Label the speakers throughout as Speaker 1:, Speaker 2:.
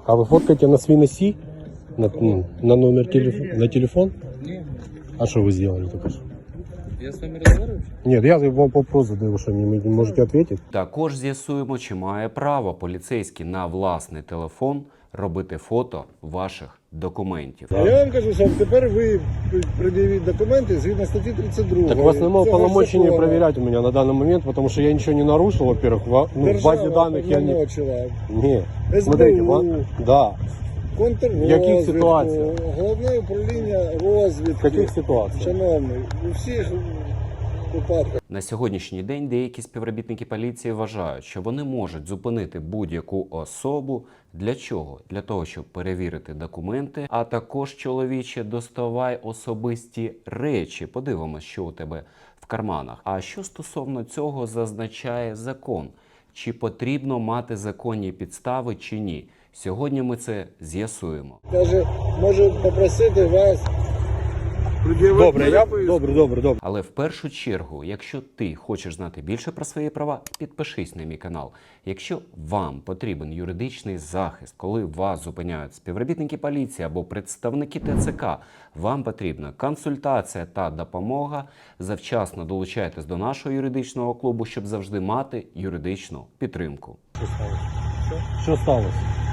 Speaker 1: А вы фоткаете на свой носи? На номер на телефон?
Speaker 2: Нет.
Speaker 1: А что вы сделали только что?
Speaker 2: Я с вами разговариваю?
Speaker 1: Нет, я вам вопрос задаю, что мне не можете ответить.
Speaker 3: Також з'ясуємо, чи має право поліцейський на власний телефон робити фото ваших документів.
Speaker 4: Я вам кажу, що тепер ви пред'явіть документи згідно статті 32.
Speaker 1: Так у вас немає
Speaker 4: цього
Speaker 1: полномочий
Speaker 4: закону.
Speaker 1: проверять у меня на данный момент, потому что я ничего не нарушил, во-первых, в базе данных я не...
Speaker 4: уполномочила.
Speaker 1: Не,
Speaker 4: СБУ,
Speaker 1: смотрите, да, в яких
Speaker 4: контррозвідку,
Speaker 1: ситуаціях?
Speaker 4: головне управління розвідки.
Speaker 1: в каких ситуациях?
Speaker 4: Шановний, у всіх випадках.
Speaker 3: На сьогоднішній день деякі співробітники поліції вважають, що вони можуть зупинити будь-яку особу. Для чого? Для того, щоб перевірити документи, а також, чоловіче, доставай особисті речі. Подивимось, що у тебе в карманах. А що стосовно цього зазначає закон? Чи потрібно мати законні підстави, чи ні? Сьогодні ми це з'ясуємо.
Speaker 4: Каже, можу попросити вас пред'явити
Speaker 1: Добре.
Speaker 3: Але в першу чергу, якщо ти хочеш знати більше про свої права, підпишись на мій канал. Якщо вам потрібен юридичний захист, коли вас зупиняють співробітники поліції або представники ТЦК, вам потрібна консультація та допомога, завчасно долучайтесь до нашого юридичного клубу, щоб завжди мати юридичну підтримку.
Speaker 1: Что сталося?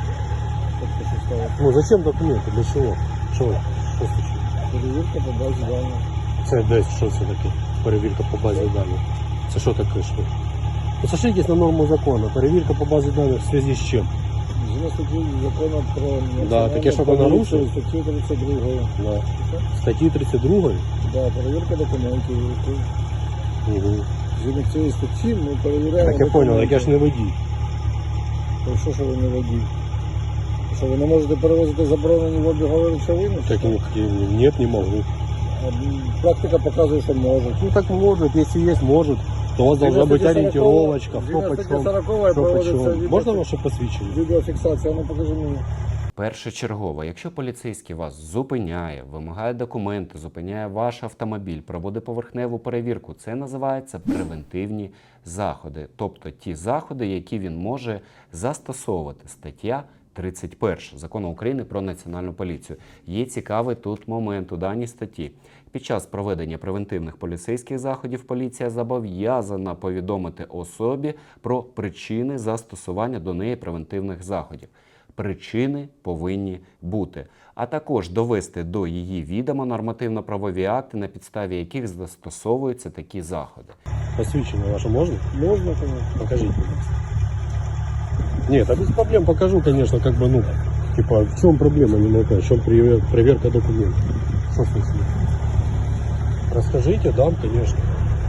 Speaker 1: Ну зачем документы? Для чего? Что случилось?
Speaker 4: перевірка по базі даних.
Speaker 1: Це десь, що це таке? Перевірка по базі даних. Це що таке? Що? Ну, сошлитесь на норму закону. Перевірка по базі даних в зв'язку з чим?
Speaker 4: Згідно статті закону про
Speaker 1: Да, таке, що ви нарушили?
Speaker 4: Статті 32.
Speaker 1: Да. Статті 32?
Speaker 4: Да, перевірка документів.
Speaker 1: Угу.
Speaker 4: Згідно цієї статті ми перевіряємо.
Speaker 1: Так я понял, так я ж не водій.
Speaker 4: То що ви не водій? Що ви не можете перевозити заборонені в обігові речовини?
Speaker 1: Так нет, не могу.
Speaker 4: Практика показує, що можуть.
Speaker 1: Ну так может, если есть, может. То у вас должна быть ориентировочка, кто почем, что почем. Можно ваше посвящение?
Speaker 4: Відеофіксація, ну покажи мені.
Speaker 3: Першочергово, якщо поліцейський вас зупиняє, вимагає документи, зупиняє ваш автомобіль, проводить поверхневу перевірку, це називається превентивні заходи. Тобто ті заходи, які він може застосовувати. Стаття 31 Закону України про Національну поліцію. Є цікавий тут момент у даній статті. Під час проведення превентивних поліцейських заходів поліція зобов'язана повідомити особі про причини застосування до неї превентивних заходів. Причини повинні бути, а також довести до її відома нормативно-правові акти, на підставі яких застосовуються такі заходи.
Speaker 1: Посвящение ваше можно?
Speaker 4: Можна, конечно.
Speaker 1: Покажите. Нет, а без проблем покажу, конечно, как бы, ну, типа, в чем проблема, не могу понять, в чем проверка документов. Что случилось? Расскажите, дам, конечно.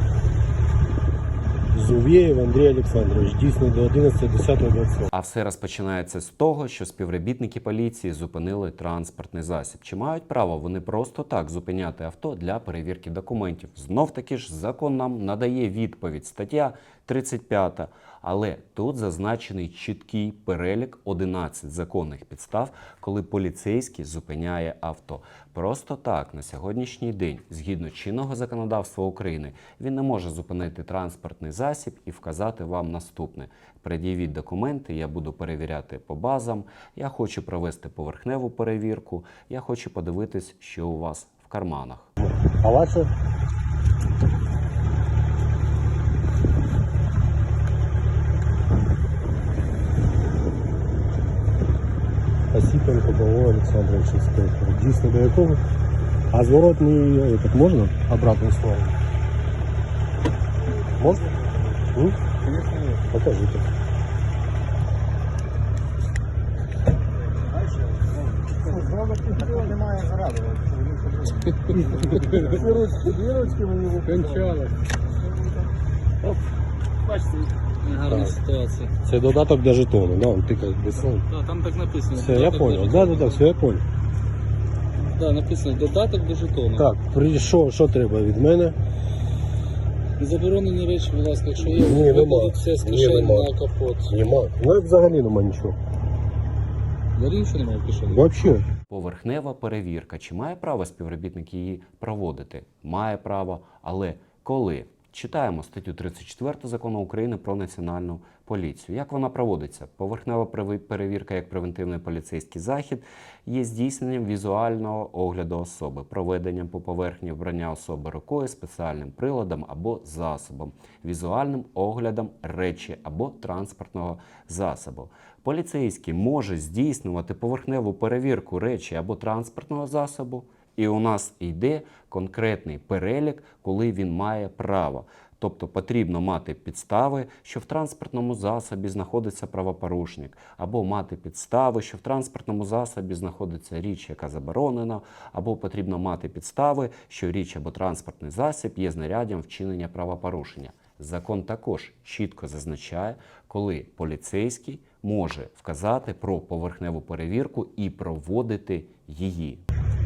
Speaker 1: Зувеев Андрій Олександрович, дійсно до 11.10.20.
Speaker 3: А все розпочинається з того, що співробітники поліції зупинили транспортний засіб. Чи мають право вони просто так зупиняти авто для перевірки документів? Знов-таки ж закон нам надає відповідь. Стаття 35. Але тут зазначений чіткий перелік 11 законних підстав, коли поліцейський зупиняє авто. Просто так, на сьогоднішній день, згідно чинного законодавства України, він не може зупинити транспортний засіб і вказати вам наступне. Пред'явіть документи, я буду перевіряти по базам, я хочу провести поверхневу перевірку, я хочу подивитись, що у вас в карманах.
Speaker 1: А ваше? Осипенко Павло Олександрович, інспектор. Дійсно до якого? А зворотний этот можно? Обратную сторону? Можно?
Speaker 4: Конечно, ні.
Speaker 1: Покажите.
Speaker 4: Немає заради. Дві ручки мені кончали.
Speaker 2: Бачите, гарна ситуація.
Speaker 1: Це додаток до жетону, да? Он тикає без слов.
Speaker 2: Да, там так написано.
Speaker 1: Все, я
Speaker 2: додаток
Speaker 1: понял.
Speaker 2: до
Speaker 1: Да,
Speaker 2: жетону.
Speaker 1: все, я понял.
Speaker 2: Да, написано додаток до жетону.
Speaker 1: Так, що треба від мене?
Speaker 2: Заборонені речі, будь ласка, якщо є,
Speaker 1: Ні, нема.
Speaker 2: викладіть все з
Speaker 1: Ні,
Speaker 2: кишені
Speaker 1: нема.
Speaker 2: на капот.
Speaker 1: Нема. Ну, взагалі нема нічого.
Speaker 2: Взагалі нічого немає в кишені.
Speaker 1: Вообще.
Speaker 3: Поверхнева перевірка. Чи має право співробітник її проводити? Має право, але коли? Читаємо статтю 34 Закону України про національну поліцію. Як вона проводиться? Поверхнева перевірка як превентивний поліцейський захід є здійсненням візуального огляду особи, проведенням по поверхні вбрання особи рукою, спеціальним приладом або засобом, візуальним оглядом речі або транспортного засобу. Поліцейський може здійснювати поверхневу перевірку речі або транспортного засобу, і у нас йде конкретний перелік, коли він має право. Тобто потрібно мати підстави, що в транспортному засобі знаходиться правопорушник, або мати підстави, що в транспортному засобі знаходиться річ, яка заборонена, або потрібно мати підстави, що річ або транспортний засіб є знаряддям вчинення правопорушення. Закон також чітко зазначає, коли поліцейський може вказати про поверхневу перевірку і проводити її.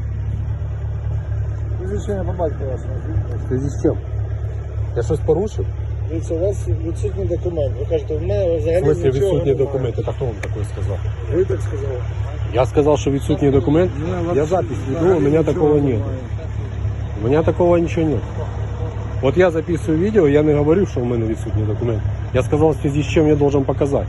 Speaker 4: Звичайно, по батьку вас.
Speaker 1: В связи з чим? Я щось порушив?
Speaker 4: Дивіться, у вас відсутній документ. Ви кажете, в мене
Speaker 1: В
Speaker 4: взагалі
Speaker 1: смысле
Speaker 4: нічого
Speaker 1: відсутні
Speaker 4: немає.
Speaker 1: документи? Так хто вам таке сказав?
Speaker 4: Ви так сказали.
Speaker 1: Я сказал, что відсутний документ. Я запись веду, у меня такого нет. У меня такого ничего нет. Вот я записываю видео, я не говорю, что у меня відсутній документ. Я сказал, в связи с чем я должен показать.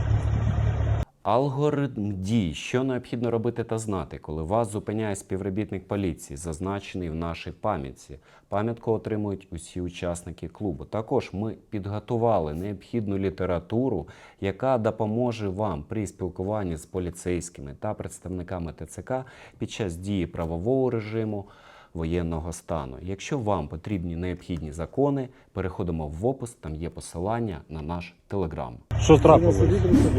Speaker 3: Алгоритм дій, що необхідно робити та знати, коли вас зупиняє співробітник поліції, зазначений в нашій пам'ятці. Пам'ятку отримують усі учасники клубу. Також ми підготували необхідну літературу, яка допоможе вам при спілкуванні з поліцейськими та представниками ТЦК під час дії правового режиму воєнного стану. Якщо вам потрібні необхідні закони, переходимо в опис, там є посилання на наш телеграм.
Speaker 1: Що трапилось?
Speaker 4: Закону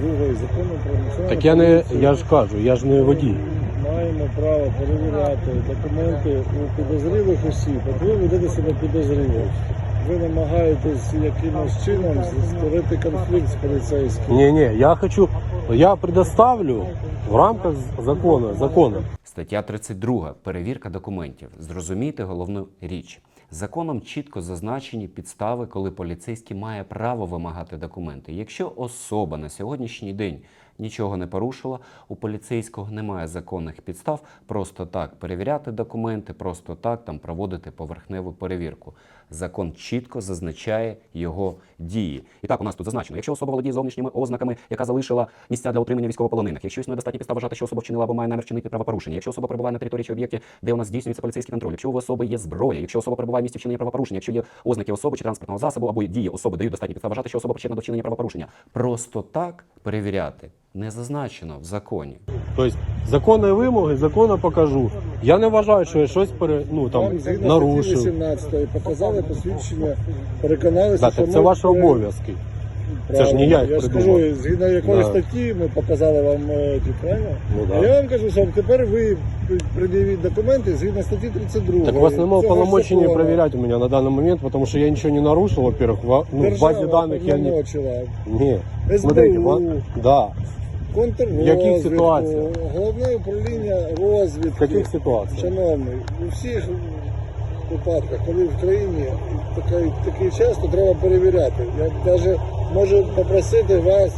Speaker 4: про національну
Speaker 1: Так я
Speaker 4: поліцію.
Speaker 1: ж кажу, я ж не водій.
Speaker 4: Маємо право перевіряти документи у підозрілих осіб. От ви ведете себе підозріло. Ви намагаєтесь якимось чином створити конфлікт з поліцейським.
Speaker 1: Не, я предоставлю в рамках закону.
Speaker 3: Стаття 32. Перевірка документів. Зрозумійте головну річ. Законом чітко зазначені підстави, коли поліцейський має право вимагати документи. Якщо особа на сьогоднішній день нічого не порушила, у поліцейського немає законних підстав просто так перевіряти документи, просто так там проводити поверхневу перевірку. Закон чітко зазначає його дії. І так, у нас тут зазначено, якщо особа володіє зовнішніми ознаками, яка залишила місця для утримання військовополонених, якщо існує достатні підстав вважати, що особа вчинила або має намір вчинити правопорушення, якщо особа перебуває на території чи об'єкті, де у нас здійснюється поліцейський контроль, якщо у особи є зброя, якщо особа перебуває в місці вчинення правопорушення, якщо є ознаки особи чи транспортного засобу або дії особи дають достатні підстав вважати, що особа причетна до вчинення правопорушення. Просто так перевіряти не зазначено в законі.
Speaker 1: Тобто законні вимоги, законно покажу. Я не вважаю, що я щось
Speaker 4: Вам згідно
Speaker 1: нарушив.
Speaker 4: статті 18 показали посвідчення, переконалися,
Speaker 1: Так, це ваші обов'язки. Це ж не я їх
Speaker 4: Я ж
Speaker 1: придумав.
Speaker 4: кажу, згідно якої
Speaker 1: Да.
Speaker 4: статті ми показали вам ті, правильно?
Speaker 1: Ну,
Speaker 4: А
Speaker 1: да.
Speaker 4: я вам кажу, що тепер ви пред'явіть документи згідно статті 32.
Speaker 1: Так у вас немає
Speaker 4: цього
Speaker 1: полномочий
Speaker 4: закону.
Speaker 1: проверять у меня на данный момент, потому что я ничего не нарушил, во-первых, в базе данных я не...
Speaker 4: повномочила.
Speaker 1: Не,
Speaker 4: СБУ,
Speaker 1: смотрите, да, в яких
Speaker 4: контррозвідку,
Speaker 1: ситуаціях?
Speaker 4: головне управління розвідки.
Speaker 1: в каких ситуациях?
Speaker 4: Шановний, у всіх випадках, коли в країні такий час, то треба перевіряти. Я навіть можу попросити вас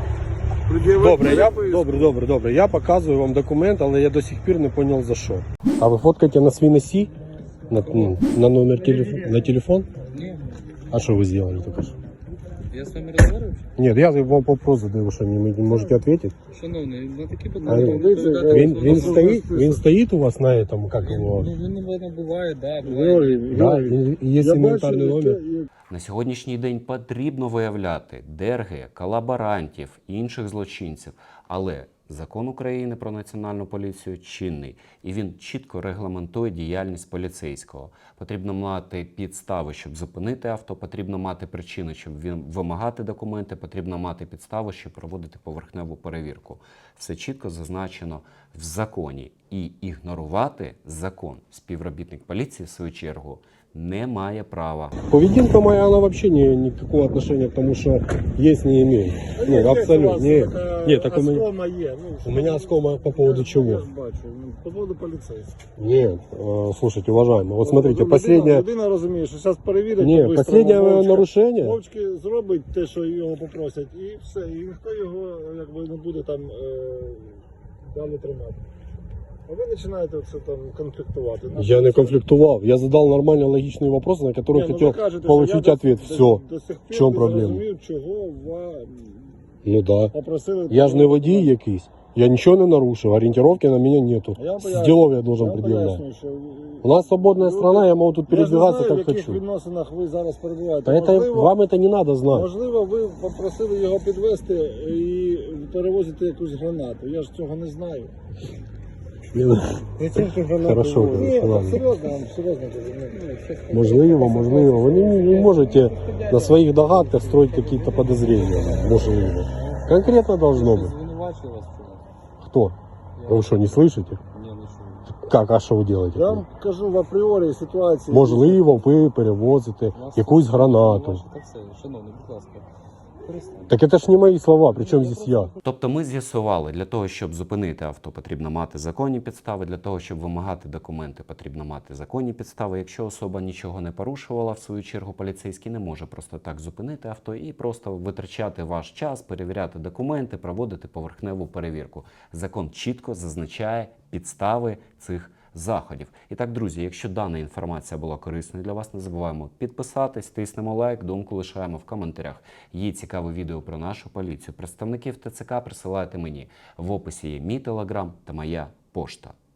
Speaker 4: пред'явити
Speaker 1: Добре. Я показую вам документ, але я до сих пір не понял за що. А ви фоткаєте на свій носі? На номер на телефон?
Speaker 2: Ні.
Speaker 1: А що ви зробили тільки що?
Speaker 2: Я з вами розмовляю?
Speaker 1: Нет, я вам вопрос задаю, що мені не можете ответить?
Speaker 2: Шановний, на такі
Speaker 1: А
Speaker 2: питання...
Speaker 1: Він стоїть у вас на этом, как его?
Speaker 2: Ну, він не буває, да, буває.
Speaker 4: Георгій,
Speaker 1: Да,
Speaker 4: Георгій,
Speaker 1: і є
Speaker 4: я
Speaker 1: інвентарний
Speaker 4: бачу,
Speaker 1: номер.
Speaker 3: На сьогоднішній день потрібно виявляти дерги, колаборантів, інших злочинців, але Закон України про національну поліцію чинний, і він чітко регламентує діяльність поліцейського. Потрібно мати підстави, щоб зупинити авто, потрібно мати причини, щоб вимагати документи, потрібно мати підстави, щоб проводити поверхневу перевірку. Все чітко зазначено в законі. І ігнорувати закон співробітник поліції, в свою чергу, не має права.
Speaker 1: Поведінка моя, она вообще никакого отношения к тому, что есть, не имеет. Ну, абсолютно. Нет, так у меня...
Speaker 4: Оскома є.
Speaker 1: У меня оскома по поводу чего?
Speaker 4: Я ж бачу, по поводу поліцейських.
Speaker 1: Нет, слушайте, уважаемый, вот смотрите, последнее...
Speaker 4: Людина розуміє, що зараз перевірять.
Speaker 1: Не,
Speaker 4: по-бистрому,
Speaker 1: последнее
Speaker 4: мовчки.
Speaker 1: нарушение...
Speaker 4: Мовчки зробить те, що його попросять, і все. І ніхто його якби не буде там далі тримати. А ви починаєте це там конфліктувати.
Speaker 1: Я не конфліктував. Я задал нормально логичные вопросы, на которые
Speaker 4: Ні, ну,
Speaker 1: хотел
Speaker 4: ви кажете, що
Speaker 1: получить
Speaker 4: я
Speaker 1: ответ.
Speaker 4: до
Speaker 1: Все.
Speaker 4: сих
Speaker 1: В
Speaker 4: пір
Speaker 1: чому
Speaker 4: не
Speaker 1: проблема?
Speaker 4: зрозумів, чого вам
Speaker 1: Ну да.
Speaker 4: попросили.
Speaker 1: Я ж не водій якийсь. Я нічого не нарушив. Ориентировки на меня нету.
Speaker 4: Я вам
Speaker 1: С
Speaker 4: поясню.
Speaker 1: делов я должен
Speaker 4: Я вам
Speaker 1: предъявлять.
Speaker 4: пояснюю, що
Speaker 1: У нас свободная страна, я могу тут
Speaker 4: я ж не
Speaker 1: передвигаться
Speaker 4: знаю,
Speaker 1: как
Speaker 4: в яких
Speaker 1: хочу.
Speaker 4: відносинах ви зараз перебуваєте.
Speaker 1: Да это, вам это не надо знать.
Speaker 4: Можливо, ви попросили його підвести і перевозити якусь гранату. Я ж цього не знаю. Зачем ти гранату
Speaker 1: Хорошо,
Speaker 4: возиш? Ні,
Speaker 1: ладно.
Speaker 4: так серйозно, вам серйозно кажу.
Speaker 1: Можливо, можливо. Вы не можете на своих догадках строить какие-то подозрения. Можливо. Конкретно должно быть.
Speaker 2: Звинувачую вас в чомусь.
Speaker 1: Кто? Вы что, не слышите?
Speaker 2: Ні, нічого.
Speaker 1: Как, а що ви робите?
Speaker 4: Я вам кажу в апріорі ситуації.
Speaker 1: Можливо, ви перевозите якусь гранату.
Speaker 2: Та все, шановний, будь ласка. Перестаньте.
Speaker 1: Так это ж не мои слова, причем здесь я?
Speaker 3: Тобто ми з'ясували, для того, щоб зупинити авто, потрібно мати законні підстави, для того, щоб вимагати документи, потрібно мати законні підстави. Якщо особа нічого не порушувала, в свою чергу поліцейський не може просто так зупинити авто і просто витрачати ваш час, перевіряти документи, проводити поверхневу перевірку. Закон чітко зазначає підстави цих заходів. І так, друзі, якщо дана інформація була корисною для вас, не забуваємо підписатись, тиснемо лайк, думку лишаємо в коментарях. Є цікаве відео про нашу поліцію. Представників ТЦК присилайте мені. В описі є мій телеграм та моя пошта.